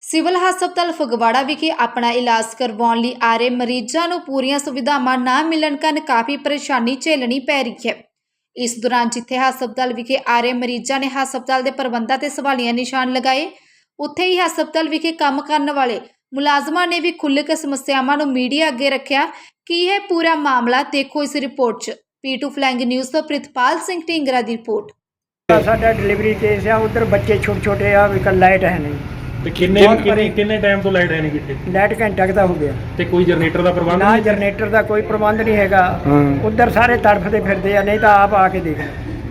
Civil ਹਸਪਤਾਲ ਫਗਵਾੜਾ ਵਿਖੇ ਆਪਣਾ ਇਲਾਜ ਕਰਵਾਉਣ ਲਈ ਆ ਰਹੇ ਮਰੀਜ਼ਾਂ ਨੂੰ ਪੂਰੀਆਂ ਸੁਵਿਧਾਵਾਂ ਨਾ ਮਿਲਣ ਕਾਰਨ ਕਾਫੀ ਪਰੇਸ਼ਾਨੀ ਝੇਲਣੀ ਪੈ ਰਹੀ ਹੈ। ਇਸ ਦੌਰਾਨ ਜਿੱਥੇ ਹਸਪਤਾਲ ਵਿਖੇ ਆ ਰਹੇ ਮਰੀਜ਼ਾਂ ਨੇ ਹਸਪਤਾਲ ਦੇ ਪ੍ਰਬੰਧਾਂ ਤੇ ਸਵਾਲੀਆ ਨਿਸ਼ਾਨ ਲਗਾਏ, ਉੱਥੇ ਹੀ ਹਸਪਤਾਲ ਵਿਖੇ ਕੰਮ ਕਰਨ ਵਾਲੇ ਮੁਲਾਜ਼ਮਾਂ ਨੇ ਵੀ ਖੁੱਲ੍ਹ ਕੇ ਸਮੱਸਿਆਵਾਂ ਨੂੰ ਮੀਡੀਆ ਅੱਗੇ ਰੱਖਿਆ। ਕੀ ਹੈ ਪੂਰਾ ਮਾਮਲਾ, ਦੇਖੋ ਇਸ ਰਿਪੋਰਟ 'ਚ। P2 ਫਲੈਂਗ ਨਿਊਜ਼ ਤੋਂ ਪ੍ਰਿਤਪਾਲ ਸਿੰਘ ਢੀਂਗਰਾ ਦੀ ਰਿਪੋर्ट। साडा डिलीवरी केस है, उधर बच्चे छोटे छोटे आ भी कल लाइट है नहीं ਤੇ ਕਿੰਨੇ ਟਾਈਮ ਤੋਂ ਲਾਈਟ ਹੈ ਨਹੀਂ ਕਿਤੇ लाइट घंटा का हो गया ਤੇ ਕੋਈ ਜਨਰੇਟਰ ਦਾ ਪ੍ਰਬੰਧ ना ਨਹੀਂ? जनरेटर का कोई प्रबंध नहीं हैगा। उधर सारे तड़फते फिरते हैं, नहीं तो आप आके देख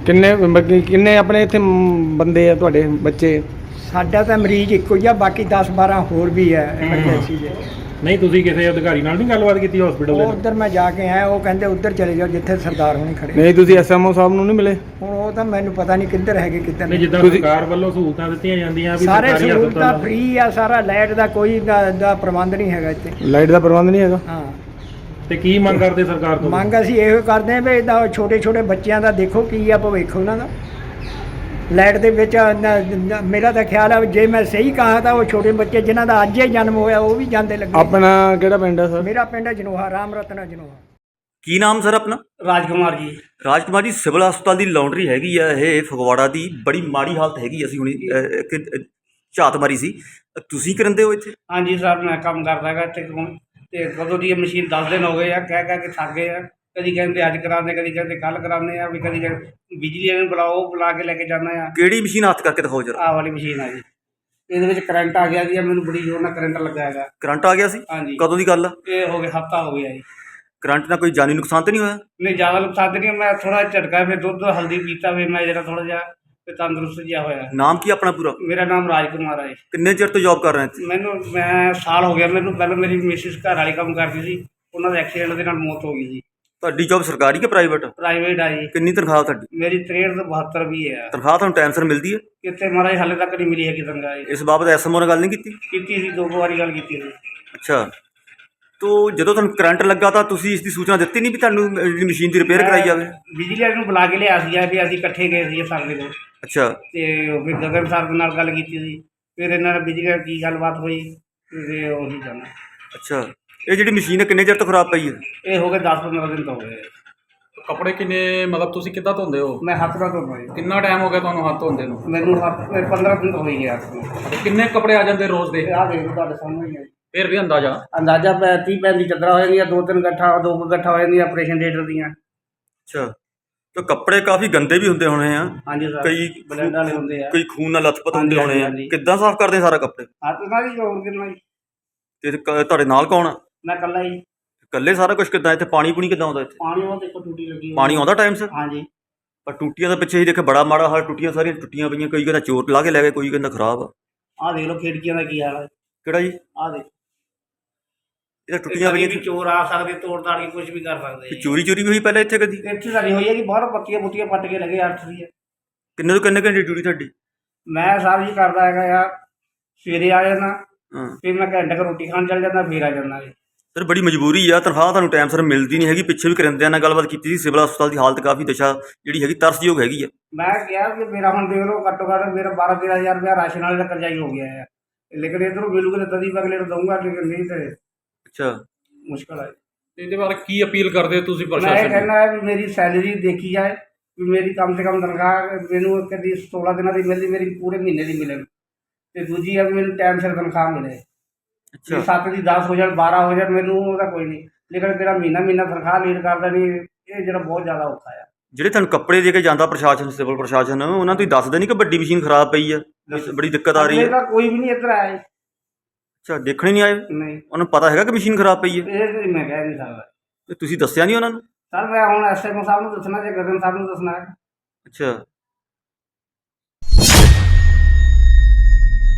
ਕਿੰਨੇ ਆਪਣੇ ਇੱਥੇ ਬੰਦੇ ਆ ਤੁਹਾਡੇ ਬੱਚੇ? साडा तो मरीज एक ही आ, बाकी 10-12 होर भी है एमरजेंसी दे। ਨਹੀਂ ਤੁਸੀਂ ਕਿਸੇ ਅਧਿਕਾਰੀ ਨਾਲ ਨਹੀਂ ਗੱਲਬਾਤ ਕੀਤੀ ਹਸਪੀਟਲ ਦੇ? उधर मैं जाके आया, वो कहते उधर चले जाओ जिथे सरदार होने खड़े। ਨਹੀਂ ਤੁਸੀਂ ਐਸਐਮਓ ਸਾਹਿਬ ਨੂੰ ਨਹੀਂ ਮਿਲੇ? ਹੁਣ ਉਹ ਤਾਂ ਮੈਨੂੰ ਪਤਾ ਨਹੀਂ ਕਿੱਧਰ ਹੈਗੇ ਕਿੱਧਰ ਨਹੀਂ, ਨਹੀਂ। ਜਿੱਦਾਂ ਸਰਕਾਰ ਵੱਲੋਂ ਸਹੂਲਤਾਂ ਦਿੱਤੀਆਂ ਜਾਂਦੀਆਂ ਵੀ ਸਾਰੇ ਸਰਕਾਰੀ ਸਹੂਲਤਾਂ ਹਸਪਤਾਲ ਫ੍ਰੀ ਆ, ਸਾਰਾ ਲਾਈਟ ਦਾ ਕੋਈ ਦਾ ਪ੍ਰਬੰਧ ਨਹੀਂ ਹੈਗਾ ਇੱਥੇ। ਲਾਈਟ ਦਾ ਪ੍ਰਬੰਧ ਨਹੀਂ ਹੈਗਾ? ਹਾਂ, ਤੇ ਕੀ ਮੰਗ ਕਰਦੇ ਸਰਕਾਰ ਤੋਂ? ਮੰਗ ਅਸੀਂ ਇਹੋ ਕਰਦੇ ਹਾਂ ਵੀ ਇਹਦਾ ਛੋਟੇ ਛੋਟੇ ਬੱਚਿਆਂ ਦਾ ਦੇਖੋ ਕੀ ਆ ਭਵਿੱਖ ਉਹਨਾਂ ਦਾ। ਲਾਈਟ ਦੇ ਵਿੱਚ ਮੇਰਾ ਤਾਂ ਖਿਆਲ ਆ, ਜੇ ਮੈਂ ਸਹੀ ਕਹਾ ਤਾਂ ਉਹ ਛੋਟੇ ਬੱਚੇ ਜਿਨ੍ਹਾਂ ਦਾ ਅੱਜ ਹੀ ਜਨਮ ਹੋਇਆ ਉਹ ਵੀ ਜਾਂਦੇ ਲੱਗੇ। ਆਪਣਾ ਕਿਹੜਾ ਪਿੰਡ ਹੈ ਸਰ? ਮੇਰਾ ਪਿੰਡ ਜਨੋਹਾ, ਰਾਮ ਰਤਨਾ ਜਨੋਹਾ। ਕੀ ਨਾਮ ਸਰ ਆਪਣਾ? ਰਾਜਕੁਮਾਰ ਜੀ। ਰਾਜਕੁਮਾਰ ਜੀ, ਸਿਵਲ ਹਸਪਤਾਲ ਦੀ ਲਾਉਂਡਰੀ ਹੈਗੀ ਆ ਇਹ ਫਗਵਾੜਾ ਦੀ, ਬੜੀ ਮਾੜੀ ਹਾਲਤ ਹੈਗੀ। ਅਸੀਂ ਹੁਣੀ ਇੱਕ ਝਾਤ ਮਾਰੀ ਸੀ। ਤੁਸੀਂ ਕਰਿੰਦੇ ਹੋ ਇੱਥੇ? ਹਾਂਜੀ ਸਰ, ਮੈਂ ਕੰਮ ਕਰਦਾ ਹੈਗਾ ਇੱਥੇ ਤੇ ਕਦੋਂ ਦੀ ਇਹ ਮਸ਼ੀਨ 10 ਦਿਨ ਹੋ ਗਏ ਆ, ਕਹਿ ਕੇ ਥੱਕ ਗਏ ਆ। ਕਦੀ ਕਹਿੰਦੇ ਅੱਜ ਕਰਾਉਂਦੇ, ਕਦੀ ਕਹਿੰਦੇ ਕੱਲ ਕਰਾਉਂਦੇ ਆ, ਵੀ ਕਦੀ ਕਹਿੰਦੇ ਬਿਜਲੀ ਵਾਲੇ ਨੂੰ ਬੁਲਾਓ, ਬੁਲਾ ਕੇ ਲੈ ਕੇ ਜਾਣਾ ਆ। ਕਿਹੜੀ ਮਸ਼ੀਨ ਹੱਥ ਕਰਕੇ ਦਿਖਾਓ ਜਰਾ। ਆਹ ਵਾਲੀ ਮਸ਼ੀਨ ਆ ਜੀ, ਇਹਦੇ ਵਿੱਚ ਕਰੰਟ ਆ ਗਿਆ ਜੀ। ਮੈਨੂੰ ਬੜੀ ਜ਼ੋਰ ਨਾਲ ਕਰੰਟ ਲੱਗਾ ਹੈਗਾ। ਕਰੰਟ ਆ ਗਿਆ ਸੀ? ਹਾਂਜੀ। ਕਦੋਂ ਦੀ ਗੱਲ ਆ? ਇਹ ਹੋ ਗਿਆ ਹਫਤਾ ਹੋ ਗਿਆ ਜੀ। ਕਰੰਟ ਨਾਲ ਕੋਈ ਜਾਨੀ ਨੁਕਸਾਨ ਤਾਂ ਨਹੀਂ ਹੋਇਆ? ਨਹੀਂ, ਜ਼ਿਆਦਾ ਨੁਕਸਾਨ ਨਹੀਂ। ਮੈਂ ਥੋੜਾ ਝਟਕਾ, ਫਿਰ ਦੁੱਧ ਹਲਦੀ ਪੀਤਾ, ਫਿਰ ਮੈਂ ਜਿਹੜਾ ਥੋੜਾ ਜਿਹਾ ਤੇ ਤੰਦਰੁਸਤ ਜਿਹਾ ਹੋਇਆ। ਨਾਮ ਕੀ ਆਪਣਾ ਪੂਰਾ? ਮੇਰਾ ਨਾਮ ਰਾਜਕੁਮਾਰ ਹੈ। ਕਿੰਨੇ ਚਿਰ ਤੋਂ ਜੌਬ ਕਰ ਰਹੇ ਇੱਥੇ? ਮੈਂ ਸਾਲ ਹੋ ਗਿਆ ਮੈਨੂੰ। ਪਹਿਲਾਂ ਮੇਰੀ ਮਿਸਿਸ ਘਰ ਵਾਲੀ ਕੰਮ ਕਰਦੀ ਸੀ, ਉਹਨਾਂ ਦਾ ਐਕਸੀਡੈਂਟ ਦੇ ਨਾਲ ਮੌਤ ਹੋ ਗਈ ਜੀ। ਤੁਹਾਡੀ ਜੌਬ ਸਰਕਾਰੀ ਕਿ ਪ੍ਰਾਈਵੇਟ? ਪ੍ਰਾਈਵੇਟ ਆ ਜੀ। ਕਿੰਨੀ ਤਨਖਾਹ ਤੁਹਾਡੀ? ਮੇਰੀ 63 ਤੋਂ 72 ਵੀ ਹੈ। ਤਨਖਾਹ ਤੁਹਾਨੂੰ ਟਾਈਮ ਸਿਰ ਮਿਲਦੀ ਹੈ? ਕਿਤੇ ਮਹਾਰਾਜ ਹਾਲੇ ਤੱਕ ਨਹੀਂ ਮਿਲੀ ਹੈਗੀ ਤਨਖਾਹ। ਇਸ ਬਾਬਤ ਐਸਐਮਓ ਨਾਲ ਗੱਲ ਨਹੀਂ ਕੀਤੀ? ਕੀਤੀ ਸੀ, 2 ਵਾਰੀ ਗੱਲ ਕੀਤੀ ਸੀ। ਅੱਛਾ, ਤੋ ਜਦੋਂ ਤੁਹਾਨੂੰ ਕਰੰਟ ਲੱਗਾ ਤਾਂ ਤੁਸੀਂ ਇਸ ਦੀ ਸੂਚਨਾ ਦਿੱਤੀ ਨਹੀਂ ਵੀ ਤੁਹਾਨੂੰ ਮਸ਼ੀਨ ਦੀ ਰਿਪੇਅਰ ਕਰਾਈ ਜਾਵੇ? ਬਿਜਲੀ ਵਾਲੇ ਨੂੰ ਬੁਲਾ ਕੇ ਲਿਆ ਸੀ ਵੀ ਅਸੀਂ ਇਕੱਠੇ ਗਏ ਸੀ ਸਰ ਦੇ ਕੋਲ। ਅੱਛਾ, ਤੇ ਫਿਰ ਗਗਨ ਸਰ ਦੇ ਨਾਲ ਗੱਲ ਕੀਤੀ ਸੀ। ਫਿਰ ਇਹਨਾਂ ਨਾਲ ਬਿਜਲੀ ਨਾਲ ਕੀ ਗੱਲਬਾਤ ਹੋਈ ਤੇ ਉਹੀ ਜਾਣਾ। ਅੱਛਾ, ਇਹ ਜਿਹੜੀ ਮਸ਼ੀਨ ਹੈ ਕਿੰਨੇ ਚਿਰ ਤੋਂ ਖਰਾਬ ਪਈ ਹੈ? ਇਹ ਹੋ ਗਏ 10-15 ਦਿਨ ਤੋਂ ਹੋ ਗਏ। ਕੱਪੜੇ ਕਿੰਨੇ, ਮਤਲਬ ਤੁਸੀਂ ਕਿੱਦਾਂ ਧੋਂਦੇ ਹੋ? ਮੈਂ ਹੱਥ ਨਾਲ ਧੋਂਦਾ ਜੀ। ਕਿੰਨਾ ਟਾਈਮ ਹੋ ਗਿਆ ਤੁਹਾਨੂੰ ਹੱਥ ਧੋਂਦੇ ਨੂੰ? ਮੈਨੂੰ 15 ਦਿਨ ਤੋਂ ਹੋਈ ਗਿਆ। ਤੇ ਕਿੰਨੇ ਕੱਪੜੇ ਆ ਜਾਂਦੇ ਰੋਜ਼ ਦੇ? ਆਹ ਦੇਖ ਲਓ ਤੁਹਾਡੇ ਸਾਹਮਣੇ ਹੀ ਹੈ। ਫਿਰ ਵੀ ਅੰਦਾਜ਼ਾ 30-35 ਚੱਦਰਾਂ ਹੋ ਜਾਂਦੀਆਂ, 2-3 ਗੱਠਾ ਹੋ ਜਾਂਦੀਆਂ ਆਪਰੇਸ਼ਨ ਥੀਏਟਰ ਦੀਆਂ। ਅੱਛਾ, ਤਾਂ ਕੱਪੜੇ ਕਾਫੀ ਗੰਦੇ ਵੀ ਹੁੰਦੇ ਹੋਣੇ ਆ? ਹਾਂਜੀ ਸਰ, ਕਈ ਬਲੈਂਡ ਵਾਲੇ ਹੁੰਦੇ ਆ, ਕਈ ਖੂਨ ਨਾਲ ਲੱਥਪੱਥ ਹੁੰਦੇ ਹਾਂਜੀ, ਹੋਣੇ ਆ। ਹਾਂਜੀ। ਕਿੱਦਾਂ ਸਾਫ਼ ਕਰਦੇ ਸਾਰਾ ਕੱਪੜੇ? ਹੱਥ ਨਾਲ ਹੀ ਹੋਰ ਕਿੰਨਾ ਜੀ। ਤੇ ਤੁਹਾਡੇ ਨਾਲ ਕੌਣ ਆ? ਮੈਂ ਇਕੱਲਾ ਹੀ। ਇਕੱਲੇ ਸਾਰਾ ਕੁਝ ਕਿੱਦਾਂ? ਇੱਥੇ ਪਾਣੀ ਪੂਣੀ ਕਿੱਦਾਂ ਆਉਂਦਾ? ਇੱਥੇ ਪਾਣੀ ਉਹ ਦੇਖੋ ਟੂਟੀ ਲੱਗੀ ਹੋਈ। ਪਾਣੀ ਆਉਂਦਾ ਟਾਈਮ ਸਿਰ? ਹਾਂਜੀ। ਪਰ ਟੂਟੀਆਂ ਦੇ ਪਿੱਛੇ ਹੀ ਦੇਖੇ ਬੜਾ ਮਾੜਾ ਹਾਲ। ਟੂਟੀਆਂ ਸਾਰੀਆਂ ਟੁੱਟੀਆਂ ਪਈਆਂ, ਕਈ ਕਹਿੰਦਾ ਚੋਰ ਲਾ ਕੇ ਲੈ ਗਏ, ਕੋਈ ਕਹਿੰਦਾ ਖਰਾਬ ਆ। ਆਹ ਦੇਖ ਲਓ ਖਿੜਕੀਆਂ ਦਾ ਕੀ ਹਾਲ ਹੈ। ਕਿਹੜਾ ਜੀ? ਆਹ ਦੇਖ, ਇਹ ਟੁੱਟੀਆਂ ਕਦੀ ਪਈਆਂ ਵੀ ਚੋਰ ਆ ਸਕਦੇ, ਤੋੜ ਤਾੜ ਕੇ ਕੁਝ ਵੀ ਕਰ ਸਕਦੇ ਤੇ ਚੋਰੀ ਚੋਰੀ ਵੀ ਹੋਈ ਪਹਿਲਾਂ ਇੱਥੇ ਕਦੀ? ਇੱਥੇ ਸਾਡੀ ਹੋਈ ਹੈ ਕਿ ਬਾਹਰ ਪੱਤੀਆਂ ਪੁੱਤੀਆਂ ਪੱਟ ਕੇ ਲੱਗੇ 8 ਦੀ ਹੈ। ਕਿੰਨੇ ਤੋਂ ਕਿੰਨੇ ਘੰਟੇ ਡਿਊਟੀ ਤੁਹਾਡੀ? ਮੈਂ ਸਾਹਿਬ ਜੀ ਕਰਦਾ ਹੈਗਾ ਯਾਰ, ਸਵੇਰੇ ਆ ਜਾਣਾ, ਹਾਂ ਫਿਰ ਮੈਂ ਘੰਟੇ ਕੁ ਰੋਟੀ ਖਾਣ ਚੱਲ ਜਾਂਦਾ, ਫਿਰ ਆ ਜਾਂਦਾ ਜੀ। ਸਰ, ਬੜੀ ਮਜਬੂਰੀ ਆ, ਤਨਖਾਹ ਤੁਹਾਨੂੰ ਟਾਈਮ ਸਿਰ ਮਿਲਦੀ ਨਹੀਂ ਹੈਗੀ। ਪਿੱਛੇ ਵੀ ਕਰਿੰਦਿਆਂ ਨਾਲ ਗੱਲਬਾਤ ਕੀਤੀ ਸੀ। ਸਿਵਲ ਹਸਪਤਾਲ ਦੀ ਹਾਲਤ ਕਾਫੀ ਦਸ਼ਾ ਜਿਹੜੀ ਹੈਗੀ ਤਰਸਯੋਗ ਹੈਗੀ ਆ। ਮੈਂ ਕਿਹਾ ਕਿ ਮੇਰਾ ਹੁਣ ਦੇਖ ਲਓ ਘੱਟੋ ਘੱਟ ਮੇਰਾ 12-13 ਹਜ਼ਾਰ ਰੁਪਇਆ ਰਾਸ਼ਨ ਵਾਲੇ ਦਾ ਕਰਜ਼ਾ ਹੀ ਹੋ ਗਿਆ ਹੈ। ਲੇਕਿਨ ਇੱਧਰੋਂ ਮਿਲੂਗੇ ਤਾਂ ਤਦੀ ਅਗਲੇ ਨੂੰ ਦਊਂਗਾ, ਲੇਕਿਨ ਨਹੀਂ ਤੇ ਅੱਛਾ, ਮੁਸ਼ਕਲ ਹੈ। ਇਹਦੇ ਬਾਰੇ ਕੀ ਅਪੀਲ ਕਰਦੇ ਹੋ ਤੁਸੀਂ ਮੈਂ ਇਹ ਪ੍ਰਸ਼ਾਸਨ ਨੂੰ? ਕਹਿਣਾ ਹੈ ਵੀ ਮੇਰੀ ਸੈਲਰੀ ਦੇਖੀ ਜਾਏ, ਵੀ ਮੇਰੀ ਕਮ ਸੇ ਕਮ ਤਨਖਾਹ ਮੈਨੂੰ ਕਦੀ 16 ਦਿਨਾਂ ਦੀ ਮਿਲਦੀ, ਮੇਰੀ ਪੂਰੇ ਮਹੀਨੇ ਦੀ ਮਿਲੇ। ਤੇ ਦੂਜੀ ਹੈ ਵੀ ਮੈਨੂੰ ਟਾਈਮ ਸਿਰ ਤਨਖਾਹ ਮਿਲੇ। ਅੱਛਾ, 7 ਦੀ 10 ਹੋ ਜਾਣ, 12 ਹੋ ਜਾਣ, ਮੈਨੂੰ ਉਹਦਾ ਕੋਈ ਨਹੀਂ। ਲੇਕਿਨ ਜਿਹੜਾ ਮਹੀਨਾ ਤਨਖਾਹ ਲੀਡ ਕਰਦਾ ਨਹੀਂ, ਇਹ ਜਿਹੜਾ ਬਹੁਤ ਜ਼ਿਆਦਾ ਔਖਾ ਆ। ਜਿਹੜੇ ਤੁਹਾਨੂੰ ਕੱਪੜੇ ਦੇ ਕੇ ਜਾਂਦਾ ਪ੍ਰਸ਼ਾਸਨ, ਸਿਵਲ ਪ੍ਰਸ਼ਾਸਨ, ਉਹਨਾਂ ਤੋਂ ਹੀ ਦੱਸਦੇ ਨਹੀਂ ਕਿ ਵੱਡੀ ਮਸ਼ੀਨ ਖਰਾਬ ਪਈ ਆ, ਬੜੀ ਦਿੱਕਤ ਆ ਰਹੀ ਅਗਲੇ ਹੈ? ਤਾਂ ਕੋਈ ਵੀ ਨਹੀਂ ਇੱਧਰ ਆਇਆ ਜੀ। ਅੱਛਾ, ਦੇਖਣ ਹੀ ਨਹੀਂ ਆਏ? ਨਹੀਂ, ਉਹਨੂੰ ਪਤਾ ਹੈਗਾ ਕਿ ਮਸ਼ੀਨ ਖਰਾਬ ਪਈ ਹੈ? ਇਹ ਤਾਂ ਮੈਂ ਕਹਿ ਨਹੀਂ ਸਕਦਾ ਤੇ ਤੁਸੀਂ ਦੱਸਿਆ ਨਹੀਂ ਉਹਨਾਂ ਨੂੰ? ਸਰ। ਮੈਂ ਹੁਣ ਐਸਐਮਓ ਸਾਹਿਬ ਨੂੰ ਦੱਸਣਾ, ਜੇ ਗਗਨ ਸਾਹਿਬ ਨੂੰ ਦੱਸਣਾ ਹੈ। ਅੱਛਾ,